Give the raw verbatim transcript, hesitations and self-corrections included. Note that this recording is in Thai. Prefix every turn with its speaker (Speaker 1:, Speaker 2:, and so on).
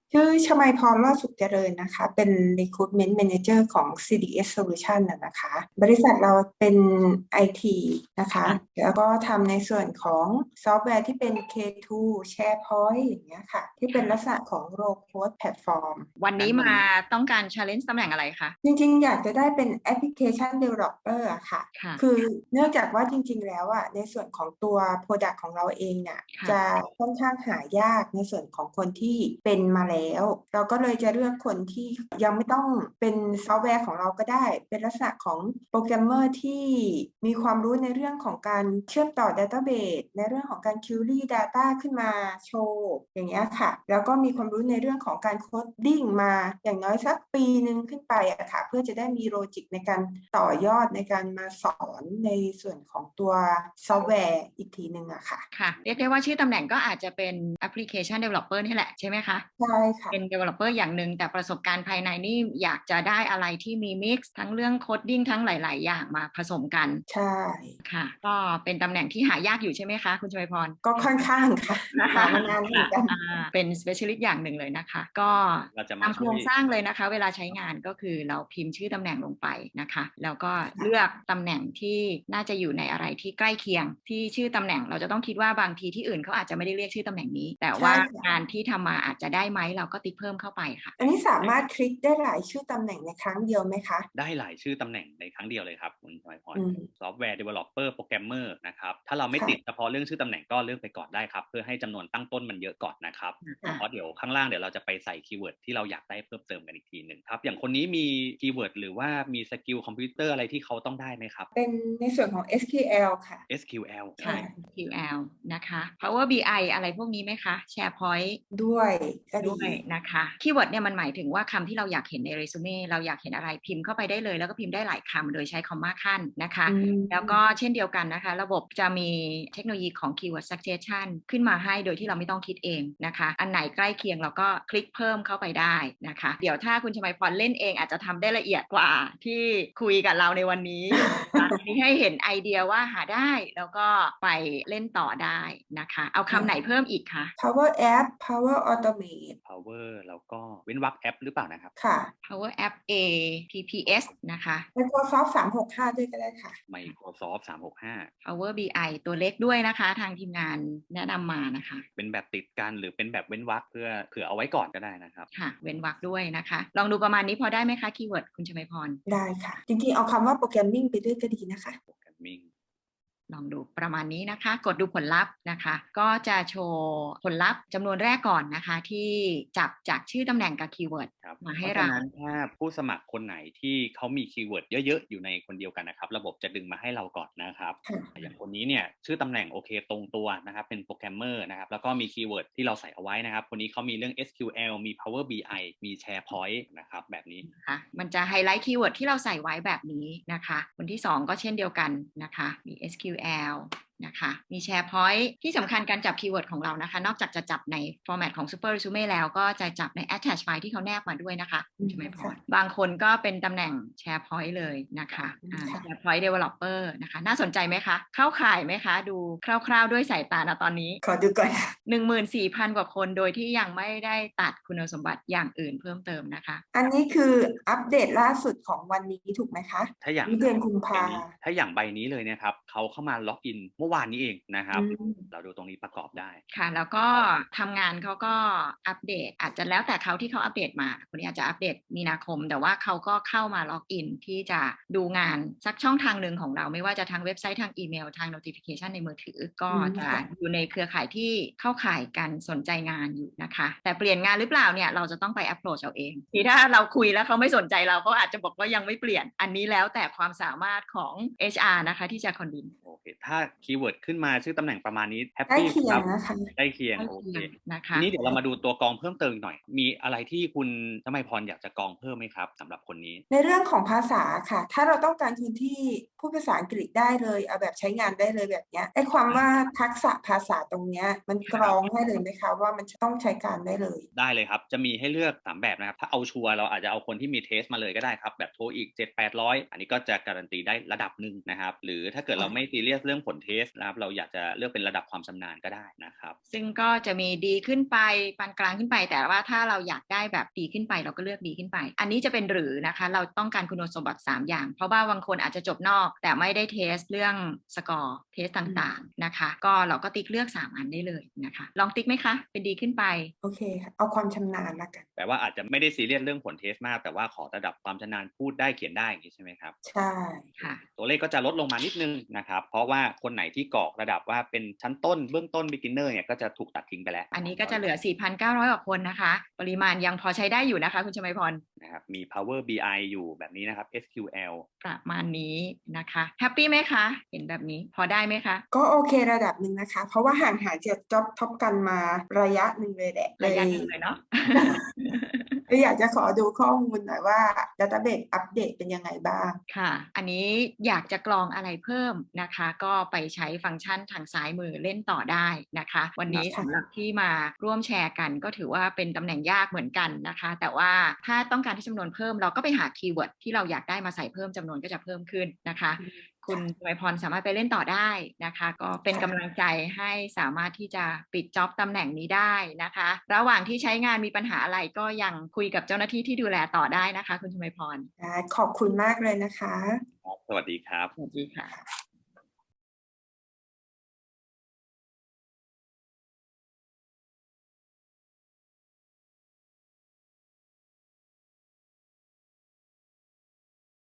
Speaker 1: ชื่อชมัยพร รอดสุขเจริญนะคะ เป็น Recruitment Manager ของ ซี ดี เอส Solution นะนะคะ บริษัทเราเป็น ไอ ที นะคะ แล้วก็ทำในส่วนของซอฟต์แวร์ที่เป็น เค ทู SharePoint อย่างเงี้ยค่ะ ที่เป็นลักษณะของ Low Code Platform
Speaker 2: วันนี้มาต้องการ challenge ตำแหน่งอะไรคะ
Speaker 1: จริงๆ อยากจะได้เป็น Application Developer อะค่ะ
Speaker 2: ค่ะ
Speaker 1: คือเนื่องจากว่าจริงๆ แล้วอะในส่วนของตัว Product ของเราเองเนี่ย
Speaker 2: ค่ะ
Speaker 1: จะค่อนข้างหายากในส่วนของคนที่เป็นมาแล้ว เราก็เลยจะเลือกคนที่ยังไม่ต้องเป็นซอฟต์แวร์ของเราก็ได้ เป็นลักษณะของโปรแกรมเมอร์ที่มีความรู้ในเรื่องของการเชื่อมต่อ Database ในเรื่องของการ Query Data ขึ้นมาโชว์ อย่างเงี้ยค่ะ แล้วก็มีความรู้ในเรื่องของการ Coding มาอย่างน้อยสักปีหนึ่งขึ้นไปอะค่ะ เพื่อจะได้มี Logic ในการต่อยอดในการมาสอนในส่วนของตัวซอฟต์แวร์อีกทีหนึ่งอะค่ะ
Speaker 2: ค่ะ เรียกได้ว่าชื่อตำแหน่งก็อาจจะเป็น Application Developer นี่แหละใช่ไหมคะ?
Speaker 1: ใช่ค่ะ
Speaker 2: เป็น Developer อย่างหนึ่ง แต่ประสบการณ์ภายในนี่อยากจะได้อะไรที่มี Mix ทั้งเรื่อง Coding ทั้งหลาย ๆ อย่างมาผสมกัน
Speaker 1: ใช่
Speaker 2: ค่ะ ก็เป็นตำแหน่งที่หายากอยู่ใช่ไหมคะคุณชมัยพร?
Speaker 1: ก็ค่อนข้างค่ะ หามานานเหมือนกัน
Speaker 2: อา เป็น Specialist อย่างหนึ่งเลยนะคะ ก็ตามโครงสร้างเลยนะคะ เวลาใช้งานก็คือเราพิมพ์ชื่อตำแหน่งลงไปนะคะ แล้วก็เลือกตำแหน่งที่น่าจะอยู่ในอะไรที่ใกล้เคียง ที่ชื่อตำแหน่งเราจะต้องคิดว่าบางทีที่อื่นเขาอาจจะไม่ได้เรียกชื่อตำแหน่งนี้ แต่ว่างานที่ทำมาอาจจะได้ไหม เราก็ติ๊กเพิ่มเข้าไปค่ะ
Speaker 1: อันนี้สามารถคลิกได้หลายชื่อตำแหน่งในครั้งเดียวไหมคะ?
Speaker 3: ได้หลายชื่อตำแหน่งในครั้งเดียวเลยครับคุณชมัยพร
Speaker 1: อืม
Speaker 3: Software Developer Programmer นะครับ ถ้าเราไม่
Speaker 1: ค่ะ
Speaker 3: ติดเฉพาะเรื่องชื่อตำแหน่งก็เลือกไปก่อนได้ครับ เพื่อให้จำนวนตั้งต้นมันเยอะก่อนนะครับ
Speaker 1: ค่ะ
Speaker 3: เพราะเดี๋ยวข้างล่างเดี๋ยวเราจะไปใส่คีย์เวิร์ดที่เราอยากได้เพิ่มเติมกันอีกทีหนึ่งครับ อย่างคนนี้มีคีย์เวิร์ดหรือว่ามีสกิลคอมพิวเตอร์อะไรที่เขาต้องได้ไหมครับ?
Speaker 1: เป็นในส่วนของ เอส คิว แอล ค่ะ
Speaker 3: เอส คิว แอล
Speaker 2: ค่ะ เอส คิว แอล นะคะ Power บี ไอ อะไรพวกนี้ไหมคะ? SharePoint
Speaker 1: ด้วยก็ดี
Speaker 2: ด้วยนะคะ คีย์เวิร์ดเนี่ยมันหมายถึงว่าคำที่เราอยากเห็นใน Resume เราอยากเห็นอะไรพิมพ์เข้าไปได้เลย แล้วก็พิมพ์ได้หลายคำโดยใช้คอมมาขั้นนะคะ
Speaker 1: อื
Speaker 2: แล้วก็
Speaker 1: ม
Speaker 2: เช่นเดียวกันนะคะ ระบบจะมีเทคโนโลยีของ Keyword Suggestion ขึ้นมาให้โดยที่เราไม่ต้องคิดเองนะคะ อันไหนใกล้เคียงเราก็คลิกเพิ่มเข้าไปได้นะคะ เดี๋ยวถ้าคุณชมัยพรเล่นเองอาจจะทำได้ละเอียดกว่าที่คุยกับเราในวันนี้ อันนี้ให้เห็นไอเดียว่าหาได้ แล้วก็ไปเล่นต่อได้นะคะ เอาคำไหนเพิ่มอีกคะ?
Speaker 1: Power App Power Automate
Speaker 3: Power แล้วก็เว้นวรรคแอปหรือเปล่านะครับ?
Speaker 1: ค่ะ
Speaker 2: Power App เอ พี พี เอส นะคะ
Speaker 1: Microsoft สามหกห้า ด้วยก็ได้ค่ะ
Speaker 3: Microsoft สามหกห้า
Speaker 2: Power บี ไอ ตัวเล็กด้วยนะคะ ทางทีมงานแนะนำมานะคะ
Speaker 3: เป็นแบบติดกัน หรือเป็นแบบเว้นวรรคเพื่อเผื่อเอาไว้ก่อนก็ได้นะครับ
Speaker 2: ค่ะ เว้นวรรคด้วยนะคะ ลองดูประมาณนี้พอได้ไหมคะคีย์เวิร์ดคุณชมัยพร?
Speaker 1: ได้ค่ะ จริงๆ เอาคำว่า Programming ไปด้วยก็ดีนะคะ
Speaker 3: Programming
Speaker 2: ลองดูประมาณนี้นะคะ กดดูผลลัพธ์นะคะ ก็จะโชว์ผลลัพธ์จำนวนแรกก่อนนะคะ ที่จับจากชื่อตำแหน่งกับคีย์เวิร์ด
Speaker 3: ครับ
Speaker 2: มา
Speaker 3: เ
Speaker 2: ใ
Speaker 3: พ
Speaker 2: ห้
Speaker 3: ราะฉ
Speaker 2: เร
Speaker 3: ะ
Speaker 2: า
Speaker 3: นั้นถ้าผู้สมัครคนไหนที่เขามีคีย์เวิร์ดเยอะ ๆ อยู่ในคนเดียวกันนะครับ ระบบจะดึงมาให้เราก่อนนะครับ
Speaker 1: ค่ะ
Speaker 3: อย่างคนนี้เนี่ยชื่อตำแหน่งโอเคตรงตัวนะครับ เป็นโปรแกรมเมอร์นะครับ แล้วก็มีคีย์เวิร์ดที่เราใส่เอาไว้นะครับ คนนี้เขามีเรื่อง เอส คิว แอล มี Power บี ไอ มี SharePoint นะครับ แบบนี้
Speaker 2: ค่ะ มันจะไฮไลต์คีย์เวิร์ดที่เราใส่ไว้แบบนี้นะคะ คนที่ สอง ก็เช่นเดียวกันนะคะ มี เอส คิว แอล นะคะ มี SharePoint ที่สำคัญการจับคีย์เวิร์ดของเรานะคะ นอกจากจะจับใน format ของ Super Resume แล้วก็จะจับใน attach file ที่เขาแนบมาด้วยนะคะคุณชมัยพร บางคนก็เป็นตำแหน่ง SharePoint เลยนะคะอ่า
Speaker 1: ค่ะ
Speaker 2: SharePoint Developer นะคะ น่าสนใจไหมคะ เข้าข่ายไหมคะ? ดูคร่าว ๆ ด้วยสายตา ณ ตอนนี้
Speaker 1: ขอดูก่อน
Speaker 2: หนึ่งหมื่นสี่พัน กว่าคนโดยที่ยังไม่ได้ตัดคุณสมบัติอย่างอื่นเพิ่มเติมนะคะ
Speaker 1: อันนี้คืออัปเดตล่าสุดของวันนี้ถูกไหมคะ?
Speaker 3: ถ้าอย่าง
Speaker 1: นี่เดือนกุมภา
Speaker 3: ถ้าอย่างใบนี้เลยนะครับ เขาเข้ามาล็อกอินเมื่อวานนี้เองนะค
Speaker 1: อ
Speaker 3: รับ
Speaker 1: ืม
Speaker 3: เราดูตรงนี้ประกอบได้
Speaker 2: ค่ะ แล้วก็ทำงานเขาก็อัปเดต อาจจะแล้วแต่เขาที่เขาอัปเดตมา คนนี้อาจจะอัปเดตมีนาคม แต่ว่าเขาก็เข้ามาล็อกอินที่จะดูงานสักช่องทางหนึ่งของเรา ไม่ว่าจะทางเว็บไซต์ ทางอีเมล ทาง notification ในมือถือ ก็จะอยู่ในเครือข่ายที่เข้าข่ายการสนใจงานอยู่นะคะ แต่เปลี่ยนงานหรือเปล่าเนี่ยเราจะต้องไป approach เอาเอง ทีถ้าเราคุยแล้วเขาไม่สนใจเรา เขาอาจจะบอกว่ายังไม่เปลี่ยน อันนี้แล้วแต่ความสามารถของ เอช อาร์ นะคะที่จะ convince
Speaker 3: โอเค ถ้าคีย์เวิร์ดขึ้นมาชื่อตำแหน่งประมาณนี้แฮป
Speaker 1: ใกล้
Speaker 3: ปี
Speaker 1: เคีย
Speaker 3: ครับ
Speaker 1: งนะคะ
Speaker 3: ใกล้เคียง
Speaker 2: ใกล้
Speaker 3: โอ
Speaker 2: เคี
Speaker 3: เค
Speaker 2: ยงนะค
Speaker 3: ที
Speaker 2: ะ
Speaker 3: นี้เดี๋ยวเรามาดูตัวกรองเพิ่มเติมอีกหน่อย มีอะไรที่คุณชมัยพรอยากจะกรองเพิ่มไหมครับ สำหรับคนนี้?
Speaker 1: ในเรื่องของภาษาค่ะ ถ้าเราต้องการคนที่พูดภาษาอังกฤษได้เลย เอาแบบใช้งานได้เลยแบบเนี้ย ไอ้ความว่าทักษะภาษาตรงเนี้ย มันกรองให้เลยไหมคะว่ามันจะต้องใช้การได้เลย?
Speaker 3: ได้เลยครับ จะมีให้เลือก สาม แบบนะครับ ถ้าเอาชัวร์เราอาจจะเอาคนที่มีเทสต์มาเลยก็ได้ครับ แบบ TOEIC เจ็ดแปดร้อย อันนี้ก็จะการันตีได้ระดับหนึ่งนะครับ หรือถ้าเกิดเราไม่ซีเรียสเรื่องรื่องผลเทสนะครับเราอยากจะเลือกเป็นระดับความชำนาญก็ได้นะครับ
Speaker 2: ซึ่งก็จะมีดีขึ้นไปปานกลางขึ้นไปแต่ว่าถ้าเราอยากได้แบบดีขึ้นไปเราก็เลือกดีขึ้นไปอันนี้จะเป็นหรือนะคะเราต้องการคุณสมบัติสามอย่างเพราะว่าบางคนอาจจะจบนอกแต่ไม่ได้เทสเรื่องสกอร์เทสต่างๆนะคะก็เราก็ติ๊กเลือกสามอันได้เลยนะคะลองติ๊กไหมคะเป็นดีขึ้นไป
Speaker 1: โอเคค่ะเอาความชำนาญละกัน
Speaker 3: แปลว่าอาจจะไม่ได้ซีเรียสเรื่องผลเทสมากแต่ว่าขอระดับความชำนาญพูดได้เขียนได้อย่างนี้ใช่ไหมครับ
Speaker 1: ใช่
Speaker 2: ค่ะ
Speaker 3: ตัวเลขก็จะลดลงมานิดนึงนะครับเพราะว่าคนไหนที่กรอกระดับว่าเป็นชั้นต้นเบื้องต้น beginner เนี่ยก็จะถูกตัดทิ้งไปแล้ว
Speaker 2: อันนี้ก็จะเหลือ สี่พันเก้าร้อย กว่าคนนะคะปริมาณยังพอใช้ได้อยู่นะคะคุณชมัยพร
Speaker 3: นะครับมี Power บี ไอ อยู่แบบนี้นะครับ เอส คิว แอล
Speaker 2: ประมาณนี้นะคะแฮปปี้ไหมคะเห็นแบบนี้พอได้ไหมคะ
Speaker 1: ก็โอเคระดับหนึ่งนะคะเพราะว่าห่างหายจากจ็อบท็อปกันมาระยะหนึ่งเลยแหละ
Speaker 2: ระยะหนึ่งเลยเนาะ
Speaker 1: เลยอยากจะขอดูข้อมูลหน่อยว่า Database อัปเดตเป็นยังไงบ้าง
Speaker 2: ค่ะอันนี้อยากจะกรองอะไรเพิ่มนะคะก็ไปใช้ฟังก์ชันทางซ้ายมือเล่นต่อได้นะคะวันนี้สำหรับที่มาร่วมแชร์กันก็ถือว่าเป็นตำแหน่งยากเหมือนกันนะคะแต่ว่าถ้าต้องการที่จำนวนเพิ่มเราก็ไปหาคีย์เวิร์ดที่เราอยากได้มาใส่เพิ่มจำนวนก็จะเพิ่มขึ้นนะคะคุณชมัยพรสามารถไปเล่นต่อได้นะคะก็เป็นกำลังใจให้สามารถที่จะปิดจ็อบตำแหน่งนี้ได้นะคะระหว่างที่ใช้งานมีปัญหาอะไรก็ยังคุยกับเจ้าหน้าที่ที่ดูแลต่อได้นะคะคุณชมัยพร
Speaker 1: ขอบคุณมากเลยนะคะ
Speaker 3: สวัสดีครับ
Speaker 2: สวัสดีค่ะ